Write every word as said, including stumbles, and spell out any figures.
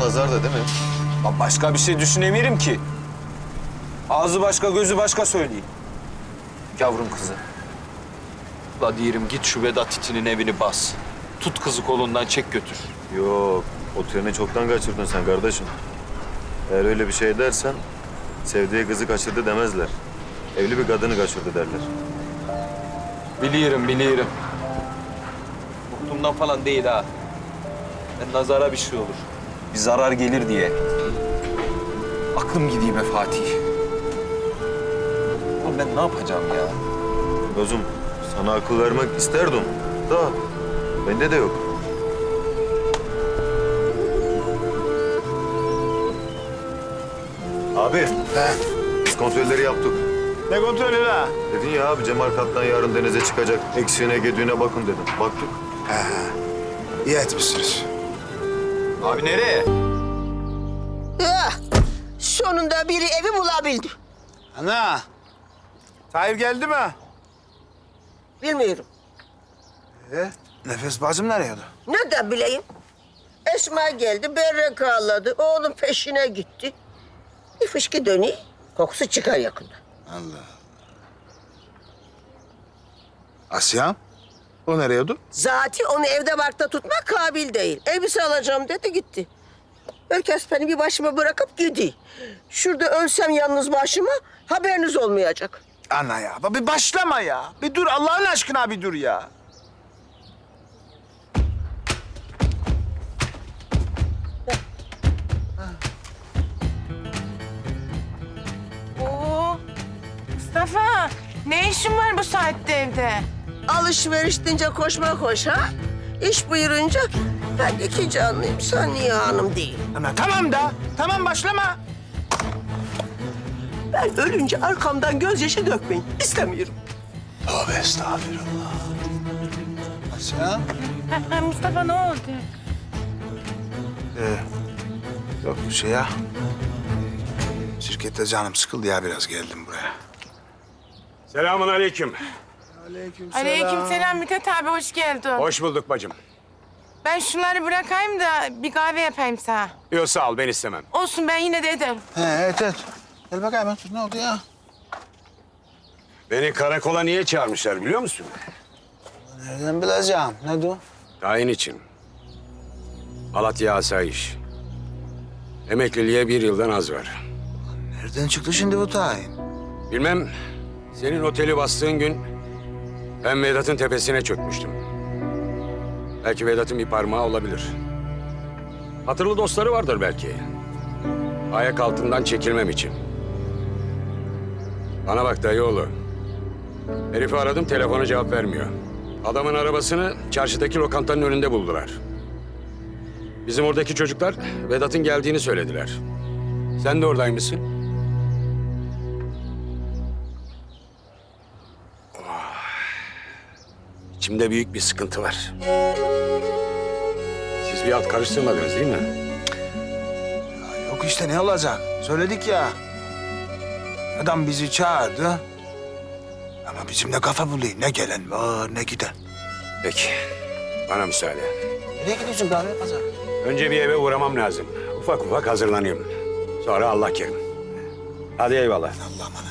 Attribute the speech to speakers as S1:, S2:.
S1: nazar da değil mi?
S2: Lan başka bir şey düşünemiyorum ki. Ağzı başka, gözü başka söyleyeyim. Yavrum kızı. La diyelim git şu Vedat itinin evini bas. Tut kızı kolundan çek götür.
S1: Yok, o treni çoktan kaçırdın sen kardeşim. Eğer öyle bir şey dersen, sevdiği kızı kaçırdı demezler. Evli bir kadını kaçırdı derler.
S2: Biliyorum, biliyorum. Korktuğumdan falan değil ha. Ben nazara bir şey olur. Bir zarar gelir diye. Aklım gidiyor be Fatih. Oğlum ben ne yapacağım ya?
S1: Gözüm, sana akıl vermek isterdim. Da, bende de yok. Abi,
S3: He.
S1: biz kontrolleri yaptık.
S3: Ne kontrolü la?
S1: Dedin ya abi, Cemal Kaptan yarın denize çıkacak. Eksiğine gediğine bakın dedim. Baktık.
S3: He. İyi etmişsiniz.
S2: Abi nereye?
S4: Ah, sonunda biri evi bulabildi.
S3: Ana. Tahir geldi mi?
S4: Bilmiyorum.
S3: Ee, Nefes bacım nereye?
S4: Ne de bileyim. Esma geldi, berrak ağladı. Oğlum peşine gitti. Bir fışkı dönüyor, kokusu çıkar yakında.
S3: Allah. Asya'm? O nereye?
S4: Zati onu evde barkta tutmak kabil değil. Elbise alacağım dedi, gitti. Herkes beni bir başıma bırakıp gidiyor. Şurada ölsem yalnız başıma haberiniz olmayacak.
S3: Ana ya, bir başlama ya. Bir dur, Allah'ın aşkına bir dur ya.
S5: Oo, Mustafa, ne işin var bu saatte evde?
S4: Alışveriş deyince koşma koş ha. İş buyurunca ben iki canlıyım, sen niye hanım değil?
S3: Ana tamam da, tamam başlama.
S4: Ben ölünce arkamdan gözyaşı dökmeyin. İstemiyorum.
S3: Tövbe estağfurullah. Asya?
S5: Ha, ha, Mustafa ne oldu?
S3: Ee, yok bir şey ya. Şirkette canım sıkıldı ya, biraz geldim buraya.
S6: Selamun aleyküm.
S5: Aleyküm selam Mithat abi, hoş geldin.
S6: Hoş bulduk bacım.
S5: Ben şunları bırakayım da bir kahve yapayım sana.
S6: Yok sağ ol, ben istemem.
S5: Olsun, ben yine de ederim.
S3: He, evet evet. Gel bakayım otur, ne oldu ya?
S6: Beni karakola niye çağırmışlar biliyor musun?
S3: Nereden bileceğim? Ne o?
S6: Tayin için. Malatya Asayiş. Emekliliğe bir yıldan az var.
S3: Nereden çıktı şimdi bu tayin?
S6: Bilmem, senin oteli bastığın gün ben Vedat'ın tepesine çökmüştüm. Belki Vedat'ın bir parmağı olabilir. Hatırlı dostları vardır belki. Ayak altından çekilmem için. Bana bak dayıoğlu. Herifi aradım, telefona cevap vermiyor. Adamın arabasını çarşıdaki lokantanın önünde buldular. Bizim oradaki çocuklar Vedat'ın geldiğini söylediler. Sen de oradaymışsın. Oh. İçimde büyük bir sıkıntı var. Siz bir alt karıştırmadınız değil mi?
S3: Ya yok işte, ne olacak? Söyledik ya. Adam bizi çağırdı. Ama bizim de kafa buluyor. Ne gelen var ne giden.
S6: Peki, bana müsaade.
S3: Nereye gidiyorsun kahve pazar?
S6: Önce bir eve uğramam lazım. Ufak ufak hazırlanıyorum. Sonra Allah kerim. Hadi eyvallah.
S3: Allah'a emanet.